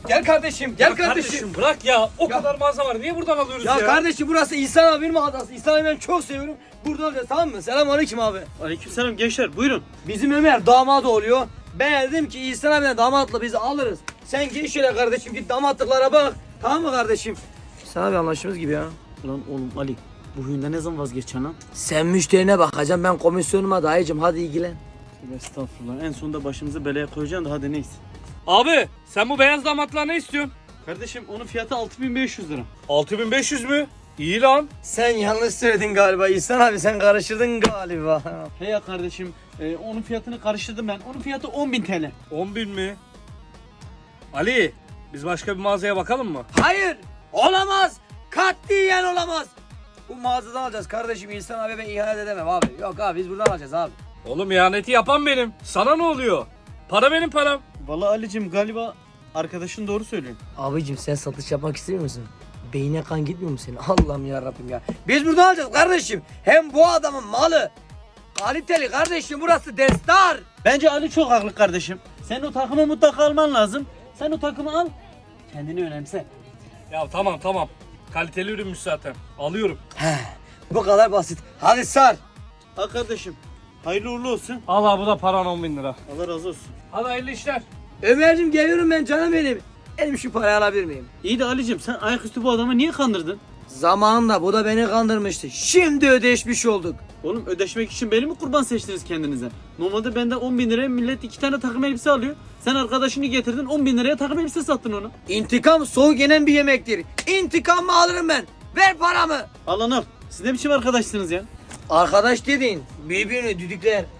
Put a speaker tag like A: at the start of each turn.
A: Gel kardeşim, gel kardeşim.
B: Bırak ya. O kadar mağaza var. Niye buradan alıyoruz ya?
A: Ya kardeşim burası İhsan abinin mağazası. İhsan abi ben çok seviyorum. Buradan alacağız tamam mı? Selamünaleyküm abi.
C: Aleykümselam gençler buyurun.
A: Bizim Ömer damat oluyor. Ben dedim ki İhsan abiden damatla bizi alırız. Sen gir şöyle kardeşim git damatlıklara bak. Tamam mı kardeşim? İhsan abi anlaştığımız gibi ya.
C: Ulan oğlum Ali bu huyunda ne zaman vazgeçeceksin lan?
A: Sen müşterine bakacaksın ben komisyonuma dayıcım hadi ilgilen.
C: Tövbe estağfurullah en sonunda başımızı belaya koyacaksın da hadi neyse.
B: Abi sen bu beyaz damatlığa ne istiyorsun?
C: Kardeşim onun fiyatı 6500 lira.
B: 6500 mü? İyi lan.
A: Sen yanlış söyledin galiba İhsan abi sen karıştırdın galiba.
C: He ya kardeşim onun fiyatını karıştırdım ben. Onun fiyatı 10.000 TL.
B: 10.000 mi? Ali biz başka bir mağazaya bakalım mı?
A: Hayır olamaz. Katiyen olamaz. Bu mağazadan alacağız kardeşim İhsan abi ben ihanet edemem abi. Yok abi biz buradan alacağız abi.
B: Oğlum ihaneti yapan benim. Sana ne oluyor? Para benim param.
C: Vallahi Ali'cim galiba arkadaşın doğru söylüyor.
A: Abicim sen satış yapmak istemiyor musun? Beyine kan gitmiyor mu senin? Allah'ım ya Rabbim ya. Biz buradan alacağız kardeşim. Hem bu adamın malı. Kaliteli kardeşim burası destar.
C: Bence Ali çok haklı kardeşim. Sen o takımı mutlaka alman lazım. Sen o takımı al. Kendini önemse.
B: Ya tamam. Kaliteli ürünmüş zaten. Alıyorum.
A: Bu kadar basit. Hadi sar.
C: Al kardeşim. Hayırlı uğurlu olsun.
B: Al abi bu da paran 10.000 lira.
C: Allah razı olsun.
B: Hadi hayırlı işler.
A: Ömer'cim geliyorum ben canım benim. Elim şu parayı alabilir miyim?
C: İyi de Ali'cim sen ayaküstü bu adamı niye kandırdın?
A: Zamanında bu da beni kandırmıştı. Şimdi ödeşmiş olduk.
C: Oğlum ödeşmek için beni mi kurban seçtiniz kendinize? Normalde benden 10.000 liraya millet 2 tane takım elbise alıyor. Sen arkadaşını getirdin 10.000 liraya takım elbise sattın onu.
A: İntikam soğuk yenen bir yemektir. İntikamımı alırım ben. Ver paramı.
C: Al lan al. Siz ne biçim arkadaşsınız ya?
A: Arkadaş dediğin birbirini düdükler.